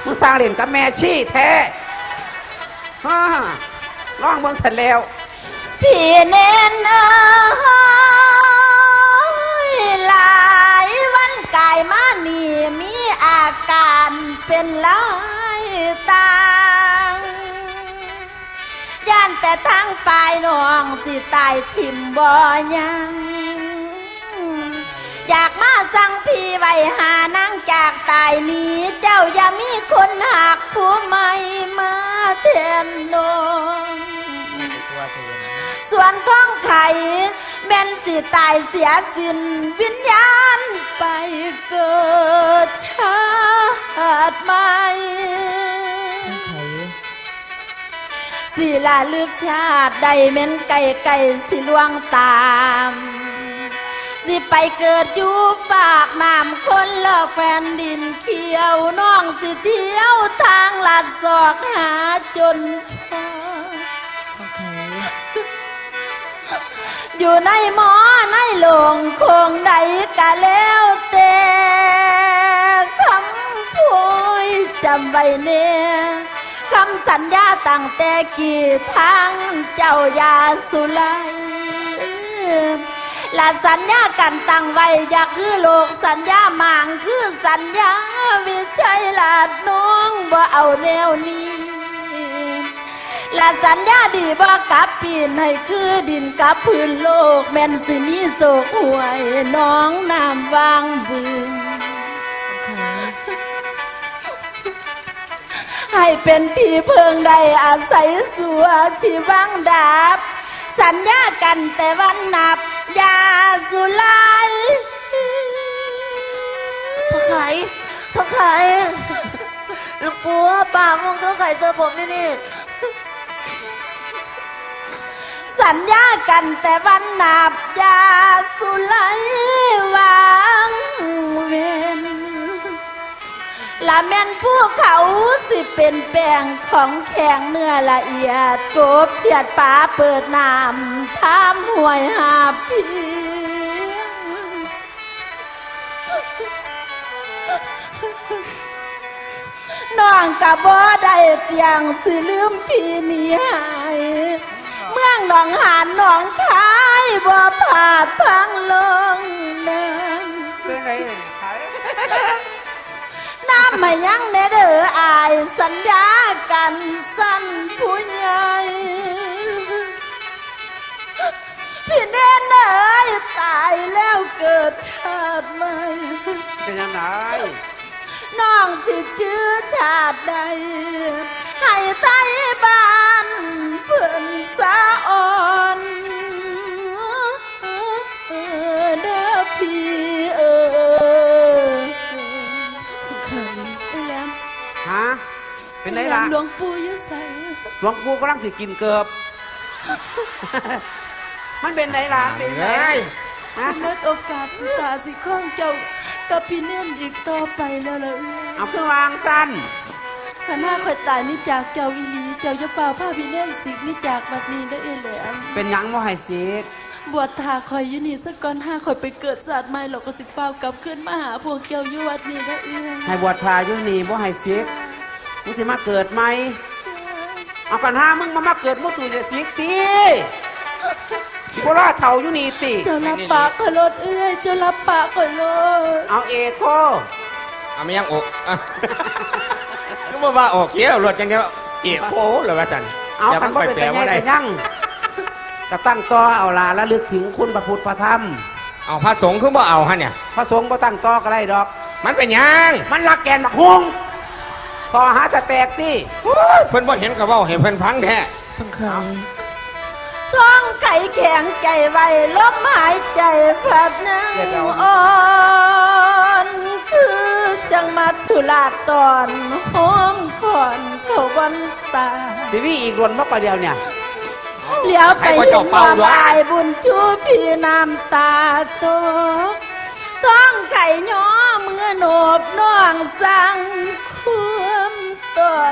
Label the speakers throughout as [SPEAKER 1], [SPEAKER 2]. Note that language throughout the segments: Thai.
[SPEAKER 1] มึงสร้างเล่นกับแม่ชี้แท้ฮ่าร้องเบิ่งเสร็จแล้ว
[SPEAKER 2] พี่เน้นหลายวันกายมานี่มีอาการเป็นหลายต่างย่านแต่ทางฝ่ายน้องสิตายถิ่มบ่ยังอยากมาสั่งพี่ไว้หานั่งจากตายนี้เจ้าอย่ามีคนหักผู้ใหม่มาแทนน้องส่วนท้องไข่แม่นสิตายเสียสิ้นวิญญาณไปเกิดชาติใหม่สิละลึกชาติใดแม่นไก่สิล่วงตามสิไปเกิดอยู่ฝากน้ำคนลอกแผ่นดินเขียวน้องสิเที่ยวทางลัดศอกหาจนพออยู่ในหมอในโลงคงใดกะแล้วแต่คำพูดจำไว้เน่คำสัญญาตั้งแต่กี่ทางเจ้ายาสุไลและสัญญากันตั้งไว้อยากคือโลกสัญญาหมางคือสัญญาวิชัยลาดน้องบ่เอาแนวนี้และสัญญาดีบ่กับปีนให้คือดินกับพื้นโลกแม่นสิมีโศกหวยน้องน้ำวางบึงให้เป็นที่เพิงใดอาศัยสัวที่วังดาบสัญญากันแต่วันนับยาสุไล
[SPEAKER 3] ท้องไข่ปัวปากมองท้องไข่เจอผมนี่
[SPEAKER 2] สัญญากันแต่วันนับยาสุไลวางเวนละแม่นผู้เขาสิเป็นแป้งของแข็งเนื้อละเอียดกบเขียดป่าเปิดน้ำทำห่วยหาพี่น้องกะบ่ได้เตียงสิลืมพี่นี่หายเมืองหนองหานหนองคายบ่ผาดพังลงนั้น
[SPEAKER 1] เป็นไงขาย
[SPEAKER 2] น้ำมายังเนเด้ออายสัญญากันสั้นผู้ใหญ่พี่เน้นเอ้ยตายแล้วเกิดชาติใหม่
[SPEAKER 1] เป็นยังไง
[SPEAKER 2] น้องสิจื้อชาติใดให้ไทยบ้านเพื่อนสะอ่อนเด้อพี่
[SPEAKER 1] ฮะเป็นไรล่ะ
[SPEAKER 2] หลวงปู่อยู่ใส่
[SPEAKER 1] หลวงปู่กำลังสิกินเกือบมันเป็นไรล่ะเป็นไง
[SPEAKER 2] ฮะเมื่อโอกาสสิตาสิข้องเจ้ากับพี่เน่นอีกต่อไปแล้วล่ะ
[SPEAKER 1] เอาคือวางสั้น
[SPEAKER 2] ข้าหน้าคอยตายนี่จากเจ้าอีหลีเจ้าจะเฝ้าผ้าพี่เน่นสิกนี่จากบัดนี้ได้เอแหลม
[SPEAKER 1] เป็นยังบ่ให้สิก
[SPEAKER 2] บวชทาคอยอยู่นี่สักก่อน5คอยไปเกิดศาสตร์ใหม่เราก็สิเฝ้ากลับขึ้นมาหาพวกเจ้าอยู่วัดนี้ได้
[SPEAKER 1] ให้บวชทาอยู่นี่บ่ให้สิกมึงสิมาเกิดไหมเอากัน5มึงมาเกิดมึงตู่จะสิกตีโบราณเถ่าอยู่นี่ติ
[SPEAKER 2] เจ้ารับปากก็ลดเจ้ารับปากก็ลด
[SPEAKER 1] เอาเอโค
[SPEAKER 4] เอาไม่ยังอกนึกว่าออกเกี้ยวรถยังไงเอโคหรือว่าจัน
[SPEAKER 1] เอาคันบ่เป็นแต่แย่ยังกระตั้งต่อเอาลาและลึกถึงคุณพระพุทธพระธรรม
[SPEAKER 4] เอาพระสงฆ์คือบ่เอาฮะเนี่ย
[SPEAKER 1] พระสงฆ์บ่ตั้งต่อก็ได้ดอก
[SPEAKER 4] มันเป็นยัง
[SPEAKER 1] มันรักแกนบักฮวงซอหาจะแตกตี
[SPEAKER 4] เพิ่นบ่เห็นกับว่าเห็นเพิ่นฟังแท้
[SPEAKER 3] ทั้งข่าว
[SPEAKER 2] ท้องไก่แข็งใจไว้ลมหายใจพัดนั่งอ่อนคือจังมาทุลาตอนหอมขอนเขาวันตา
[SPEAKER 1] สิวีอีกรวนมากกว่าเดียวเนี่ย
[SPEAKER 2] เลี้ยวไปเห็นว่าบายบุญชูพี่น้ำตาตกท้องไก่ย้อมือโหนบน้องสั่งควมตอน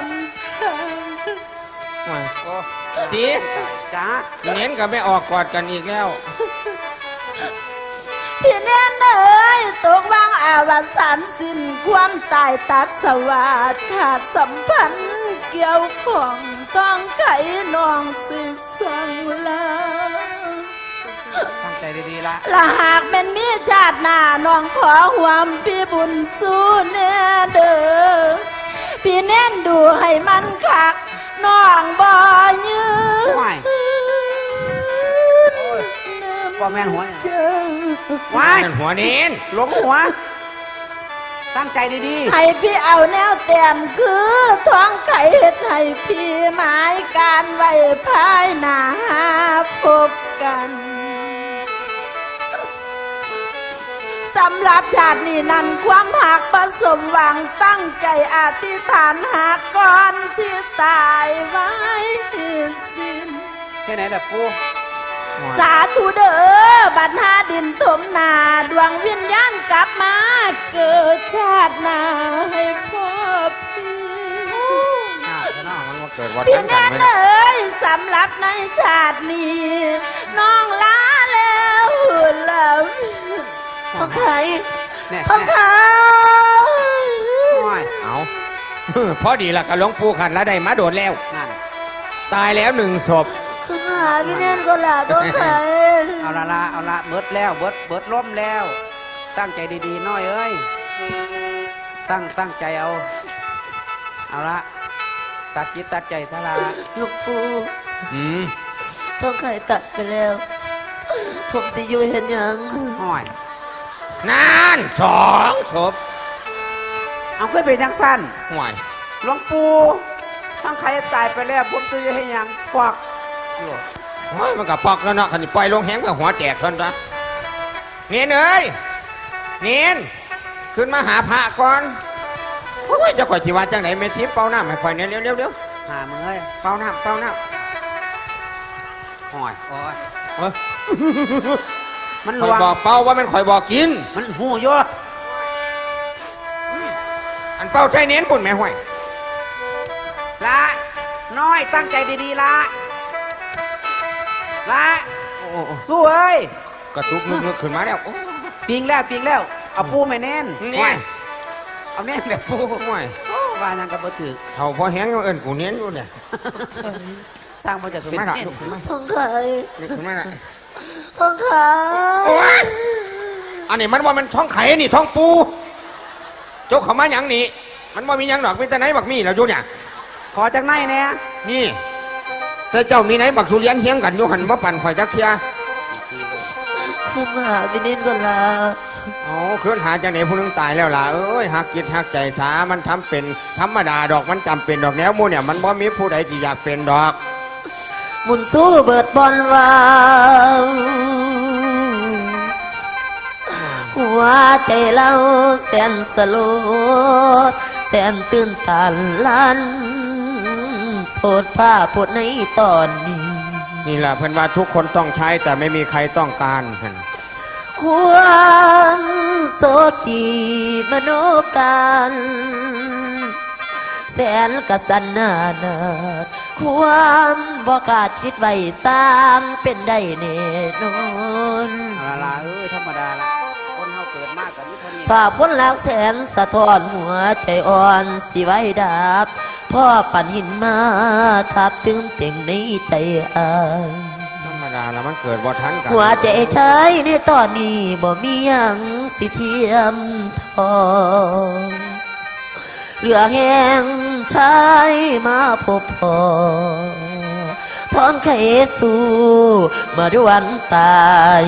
[SPEAKER 4] สี
[SPEAKER 1] จ้า
[SPEAKER 4] เน้นกับไม่ออกกอดกันอีกแล้ว
[SPEAKER 2] พี่แน่นเอ๋ยตกวางอาวสานสิ้นความตายตัดสวัสดขาดสัมพันธ์เกี่ยวของต้องไขน้องสิสังลา
[SPEAKER 1] ตั้งใจดีๆละ
[SPEAKER 2] ละหากแม่นมีชาติหน้าน้องขอหวมพี่บุญสู้แน่เด้อพี่แน่นดูให้มันคักน้องบ่ยืน
[SPEAKER 1] ว้ายว่าแม่นหัวเนี่ย
[SPEAKER 2] เจอ
[SPEAKER 1] ว้าย
[SPEAKER 4] นั่นหัวเน้น
[SPEAKER 1] หลงหัว ตั้งใจดี
[SPEAKER 2] ให้พี่เอาแนวแต้มคือท้องไข่เฮ็ดให้พี่หมายการไว้ภายหน้าพบกันสำหรับชาตินี้นั้นความหักประสมหวังตั้งใจอธิษฐานหากก่อนสิตายไว้สิ้น
[SPEAKER 1] ๆแค่ไหนล่ะปู
[SPEAKER 2] สาธุเด้อบัดหาดินถมนาดวงวิญญาณกลับมาเกิดชาติหน้าให้พ่อพี่
[SPEAKER 4] มันมาเกิดวัน
[SPEAKER 2] พี่
[SPEAKER 4] นั้นกัน
[SPEAKER 2] แน่
[SPEAKER 4] ไหม
[SPEAKER 2] เอ้ยสำหรับในชาตินี้ น้องลาแล้วแล้ว
[SPEAKER 3] ทองไข่
[SPEAKER 1] เนี่ย
[SPEAKER 3] ทองไข่
[SPEAKER 1] ว้าย
[SPEAKER 4] เอา พอดีละกับหลวงปู่ขันแล้วได้มาโดดแล้ว
[SPEAKER 1] นั่น
[SPEAKER 4] ตายแล้ว1 ศพ
[SPEAKER 3] ขึ้นมาหาพี่แน่นก็ล่ะทองไข่
[SPEAKER 1] เอาละเบิดแล้วเบิดล้มแล้ว ตั้งใจดีๆน้อยเอ้ยตั้งใจเอาละตัดจิตตัดใจซะละ
[SPEAKER 3] หลูกปู่
[SPEAKER 4] อืม
[SPEAKER 3] ทองไข่ตัดไปแล้ว ผมสิอยู่เห็นหยัง
[SPEAKER 1] ห้อย
[SPEAKER 4] นั่น2 ศพ
[SPEAKER 1] เอาขึ้นไปจังสั้น
[SPEAKER 4] ห่วย
[SPEAKER 1] หลวงปู่ตั้งใครตายไปแล้วผมจะให้หยังควักโลด
[SPEAKER 4] โอ้ยมันกับปอกแล้วเนาะขันนี้ปล่อยลงแหงกับหัวแตกทนจ้ะเนียนเอ้ยเนียนขึ้นมาหาพระก่อนโอ้ยเจะข่อยที่ว่าจังไหนเมทิพย์เป่าน้ำให้ข่อยเนี่ยเร็ว
[SPEAKER 1] หามึงเอ้ย
[SPEAKER 4] เป่าน้ำ
[SPEAKER 1] ห้อยโอ้ย
[SPEAKER 4] เอ้ย
[SPEAKER 1] มันหล
[SPEAKER 4] ข่อยว
[SPEAKER 1] ง
[SPEAKER 4] บอกเป่าว่ามันข่อยบอกกิน
[SPEAKER 1] มันหูโย
[SPEAKER 4] อันเป่าใจเน้นปุ่นแม่ห่วย
[SPEAKER 1] ละน้อยตั้งใจดีๆละละสู้เอ้ย
[SPEAKER 4] กระตุกนึกขึ้นมาแล้วโอ้
[SPEAKER 1] ปิงแล้วเอาปูไม่แน่น
[SPEAKER 4] นี่
[SPEAKER 1] ห้อยเอาแน่นแบบปู
[SPEAKER 4] ห่วย
[SPEAKER 1] โอ้ว่ายังกับบ่ถือ
[SPEAKER 4] เขาพอแหงเอิญกูเน้นอยู่เนี่ย
[SPEAKER 1] สร้างมาจาก
[SPEAKER 4] ขึ้น
[SPEAKER 1] เป็น
[SPEAKER 4] มาละ
[SPEAKER 1] เน่น
[SPEAKER 4] ลุกขึ้นมา
[SPEAKER 3] ทองไข่
[SPEAKER 4] ขึ้นมาละ
[SPEAKER 3] ทองไข่
[SPEAKER 4] โอ้ยอันนี้มันว่ามันท้องไข่นี่ท้องปูโจกเขามาหยังนี่มันว่ามีหยังดอกมีแต่ไหนบักมีแล้วอยู่เนี่ย
[SPEAKER 1] ขอจากไหนเนี่ย
[SPEAKER 4] นี่แต่เจ้ามีไหนบักทุเรียนเฮียงกันอยู่หันว่าปั่นข่อยจักเทีย
[SPEAKER 3] ขึ้นมาหาพี่แน่นก็ล่ะ
[SPEAKER 4] อ๋อเคลื่อนหาจากไหนผู้หนึงตายแล้วล่ะเอ้ยหักจิตหักใจช้ามันทำเป็นธรรมดาดอกมันจำเป็นดอกแนวหมูเนี่ยมันบ่มีผู้ใดที่อยากเป็นดอก
[SPEAKER 3] หมุนสู้เบิดบอลวาวหัวใจเราแสนสลดแสนตื่นตันลันโพดผ้าโพดในตอนนี้
[SPEAKER 4] นี่แหละเพิ่นว่าทุกคนต้องใช้แต่ไม่มีใครต้องการหั่น
[SPEAKER 3] ความโศกีมโนกันแสนกสันนานาดความบ่กล้าคิดไว้สร้างเป็นได้แน่นอน
[SPEAKER 1] เอาละเอ้ยธรรมดาละคนเฮาเกิดมากกับนี่เท่านี้
[SPEAKER 3] ฝ่าพ้นแล้วแสนสะท้อนหัวใจอ่อนสิไว้ดับพ่อปั่นหินมาทับถึงเต่งในใจอาย
[SPEAKER 4] ธรรมดาแล้วมันเกิดบ่ทันกัน
[SPEAKER 3] หัวใจชายในตอนนี้บ่มีหยังสิเทียมทองเหลือแห้งชายมาพบพอท้องไขสู่มาด้วยวันตาย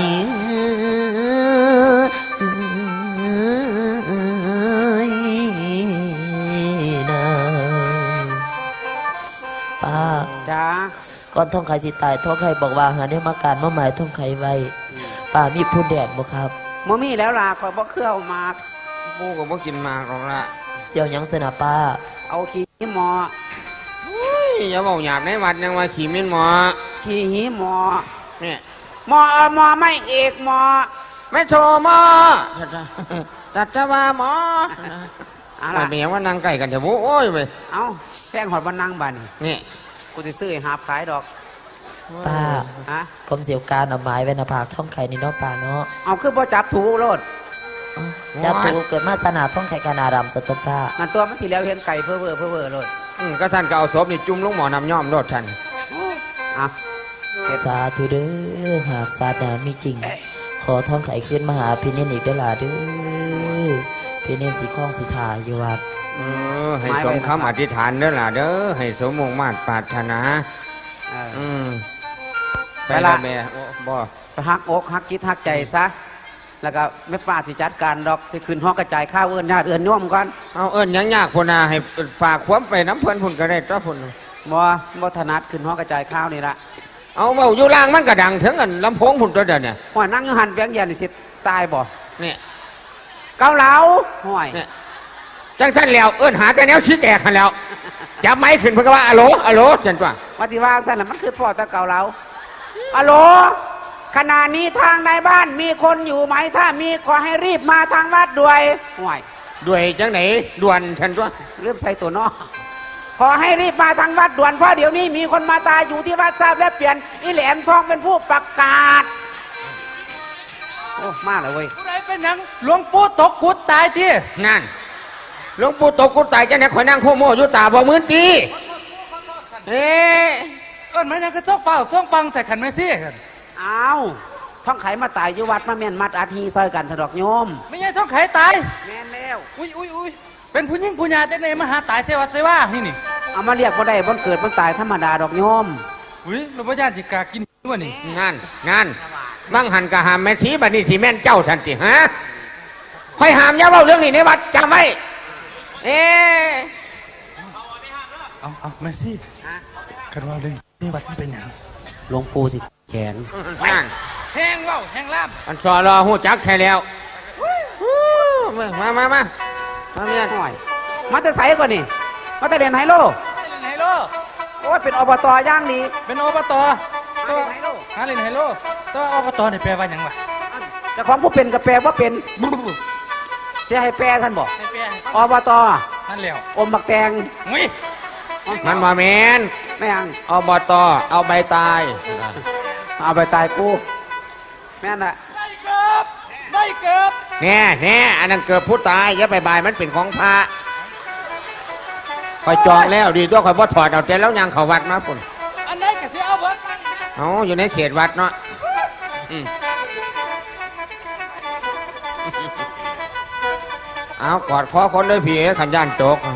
[SPEAKER 3] ป้า
[SPEAKER 1] จ้า
[SPEAKER 3] ก่อนท้องไข่สิตายท้องไข่บอกว่าหาเนี่ยมาการมาหมายท้องไข่ไว้ป้ามีผู้แดดบ่ครับ
[SPEAKER 1] มื่อมีแล้วล่ะคอยบ่เครื่อมาก
[SPEAKER 4] ปูก็บ่กินหมากหรอกละ
[SPEAKER 3] เสี่ยวหยังสนะป้า
[SPEAKER 1] เอาขี้หมอ
[SPEAKER 4] เฮ้ยอย่าบอกหยาบในวัดยังว่าขี่มินหมอ
[SPEAKER 1] ขี้หีหมอ
[SPEAKER 4] เนี่ย
[SPEAKER 1] หมอไม่เอกหมอ
[SPEAKER 4] ไม่โทรหมอตัดจะว่าหมอ
[SPEAKER 1] เอา
[SPEAKER 4] มั
[SPEAKER 1] ล่ะ
[SPEAKER 4] นเป็นหยังว่านั่งใกล้กันเถอะโอ้ยไป
[SPEAKER 1] เอาแป้งหอดบันนังบัดน
[SPEAKER 4] นี่
[SPEAKER 1] กูจะซื้อให้หาบขายดอก
[SPEAKER 3] ป้า
[SPEAKER 1] ฮะ
[SPEAKER 3] ผมเสียวการเอาไม้ไว้หน้าผากท่องไข่นี่เนาะป้าเนาะ
[SPEAKER 1] เอาคือบ่จับถูโลด
[SPEAKER 3] จับตูเกิดมาสนาท่องไข่กานาดำสตบป้า
[SPEAKER 1] นั่นตัวมันสิแล้วเห็นไก่เพ้อเพ้อโลด
[SPEAKER 4] ก็ท่านก็เอาศพนี่จุ่มลงหมอน้ำย่อมโลดท่าน
[SPEAKER 1] อ่ะเฮ็ด
[SPEAKER 3] สาธุเด้อหากศาสนามีจริง ขอท่องไข่ขึ้นมาหาพี่เนนอีกเด้อล่ะเด้อพี่เนนสีข้องสีทาอยู่วัด
[SPEAKER 4] ให้สมคำอธิษฐานเด้อล่ะเด้อให้สมมุ่งมาตรปรารถนา
[SPEAKER 1] เออ
[SPEAKER 4] อืม
[SPEAKER 1] ไปละ
[SPEAKER 4] แม่โอ้บ่
[SPEAKER 1] ไปฮักอกฮักจิตฮักใจซะแล้วก็แม่ป้าสิจัดการดอกสิขึ้นห้องกระจายข้าวเอื้อนญาติเอื้อนโยมก่อน
[SPEAKER 4] เอาเอิ้นหยังยากพุ่นน่ะให้ฝากความไปน้ำเพิ่นพุ่นก็ได้ตัวพุ่น
[SPEAKER 1] บ่ถนัดขึ้นห้องกระจายข้าวนี่ละ
[SPEAKER 4] เอาเบาอยู่ล่างมันก็ดังถึงอันลำโพงพุ่นตัวเดียวเนี่ย
[SPEAKER 1] ห่วยนั่งอยู่หันเปียงเย็นนี่สิตายบ่
[SPEAKER 4] เนี่ย
[SPEAKER 1] เกาเหลาห่วย
[SPEAKER 4] เนี่ยจังสั้นแล้วเอิ้นหาแต่แนวชี้แตกกันแล้วจับไม้ขึ้นเพิ่นก็ว่าอะโหลอะโหลจังตัว
[SPEAKER 1] ว่าที่ว่าสั่นน่ะมันคือพ่อตะเกาเหลาอะโหลขณะนี้ทางในบ้านมีคนอยู่ไหมถ้ามีขอให้รีบมาทางวัดด้วยห่วย
[SPEAKER 4] ด้วยจังไหนด่วนฉันตัว
[SPEAKER 1] เริ่มใส่ตัวนอกขอให้รีบมาทางวัดด่วนเพราะเดี๋ยวนี้มีคนมาตายอยู่ที่วัดทราบและเปลี่ยนอีแหลมทองเป็นผู้ประกาศโอ้มาเลยเว้ย
[SPEAKER 5] ผู้ใดเป็นหยังหลวงปู่ตกกุดตายที่
[SPEAKER 4] นั่นหลวงปู่ตกกุฏใส่จังไหนข่อยนั่งโคโมอยู่ตาบ่มื้นตีเอ๊ะ
[SPEAKER 5] เอิ้นมันยังกระซอกเปล่าซ่องปังแต่ขันไม่ซี่กัน
[SPEAKER 1] เอาท่องไขมาตายอยู่วัดมาแม่นมัดอาทีซอยกันสะดอกโยม
[SPEAKER 5] ไม่ใช่ท้องไขตาย
[SPEAKER 1] แม่นแล้ว
[SPEAKER 5] อุ้ยเป็นผู้หญิงผู้หญาแต่ไหนมาหาตายเสวัสดิ์เสว่านี่นี่
[SPEAKER 1] เอามาเรียกบ่ได้บ่เกิดบ่ตายธรรมดาดอกโยม
[SPEAKER 5] อุ้ยหลวงพ่อญาติกากินด้วยนี่
[SPEAKER 4] นั่นบังหันกะหามแม่ชีบัดนี้สิแม่นเจ้าสันติฮะค่อยหามอย่าเว้าเรื่องนี้ในวัดจำไว้เอ๊ะ
[SPEAKER 5] เอาไม่ซี่กันว่าเลยนี่วัดมันเป็นหยัง
[SPEAKER 1] หลวงปู่สิแขน
[SPEAKER 4] นั่น
[SPEAKER 5] แห้งเว้าแห้งล่าม
[SPEAKER 4] อันสอรอหูจักแค่แล้วมาเมียน
[SPEAKER 1] ห่วยมาแต่ไสก่อนนี่มาแต่เรียนไฮโล
[SPEAKER 5] เล่นไฮโล
[SPEAKER 1] โอ้ยเป็นอบตย่างนี้
[SPEAKER 5] เป็นอบต
[SPEAKER 1] มาเล่นไฮโล
[SPEAKER 5] หาเล่นไฮโลแต่ว่าอบตนี่แปลว่าหยังวะ
[SPEAKER 1] เจ้าของผู้เป็นกับแปลว่าเป็นเสียให้แปลท่านบอก
[SPEAKER 5] ให้แปลให้
[SPEAKER 1] อบต
[SPEAKER 5] นั่นแล้ว
[SPEAKER 1] อมบักแตง
[SPEAKER 5] อุ้ย
[SPEAKER 4] มันมาแมน
[SPEAKER 1] แม่ง
[SPEAKER 4] อบตเอาใบตาย
[SPEAKER 1] เอาไปตายกูแม่นอะ
[SPEAKER 5] ได้เกือบ
[SPEAKER 4] แน่อันนั้นเกิดผู้ตายอย่าไปบายมันเป็นของพระคอยจองแล้วดีตัวคอยบ่ถอดเอาแต่แล้วยังเขาวัดมาปุ่น
[SPEAKER 5] อันไหนก็สิเอาเบิดมัน
[SPEAKER 4] เอาอยู่ในเขตวัดเนาะอืมเอากอดคอคนเลยพี่ขันย่านโจก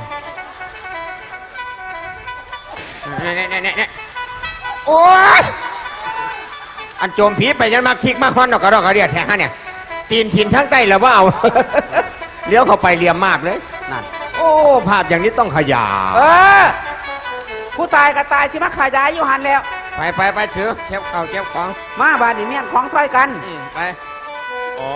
[SPEAKER 4] เนี่ยโอ้ยอันโจมผีไปยันมาคิกมาควันดอกกระดอกกระเดียดแท้ฮะเนี่ยตีนถิ่นทั้งใต้แล้วว่าเอา เลี้ยวเข้าไปเลียมมากเลย
[SPEAKER 1] นั่น
[SPEAKER 4] โอ้ภาพอย่างนี้ต้องขยา
[SPEAKER 1] เออผู้ตายก็ตายสิมาขายายอยู่หันแล้ว
[SPEAKER 4] ไปถือเก็บข้าวเก็บของ
[SPEAKER 1] มาบานนี่เมียนของซอยกัน
[SPEAKER 4] ไปโอ้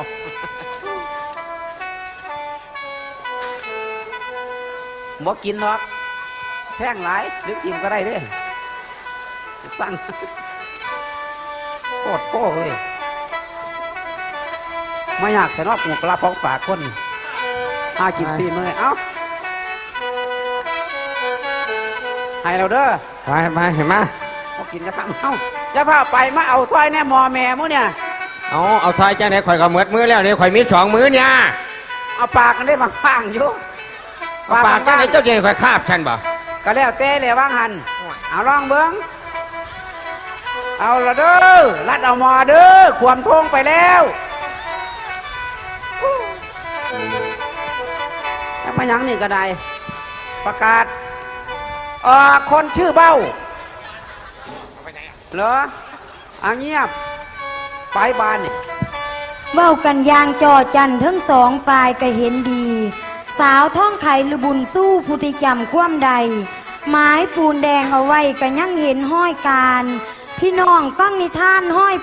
[SPEAKER 1] บ่กินหรอกแพงหลายหรือกินก็ได้เด้สั่งโคตรโป้เลยไม่อยากแต่นอกหมูกระพองฝากคนหากินซีนเลยเอ้าให้เราเด้อ
[SPEAKER 4] ไปเห็นไหม
[SPEAKER 1] บ่กินจะทำเอ้าจะพาไปมาเอาซอยแน่มอแม่มู้เนี่ย
[SPEAKER 4] เอาซอยจ้าไหนข่อยก็เหมือดมือแล้วเนี่ยข่อยมี2 มือเนี่ย
[SPEAKER 1] เอาปากกันได้บางๆอยู่
[SPEAKER 4] ปากจ้าไหนเจ้าเจข่อยคาบฉันบ่
[SPEAKER 1] ก็แล้วเต้เลยว่างหันเอาลองเบิ้งเอาละเด้อรัดเอามอเด้อความทงไปแล้วแล้วมาหยังนี่ก็ได้ประกาศคนชื่อเบ้าเหรอเงียบไปบ้านนี่
[SPEAKER 6] เว้ากันอยางจอจันทั้งสองฝ่ายก็เห็นดี สาวท่องไข่หรือบุญสู้ผู้ที่จำความใด ไม้ปูนแดงเอาไว้ก็ยังเห็นห้อยการ พี่น้องฟังนิทานห้อย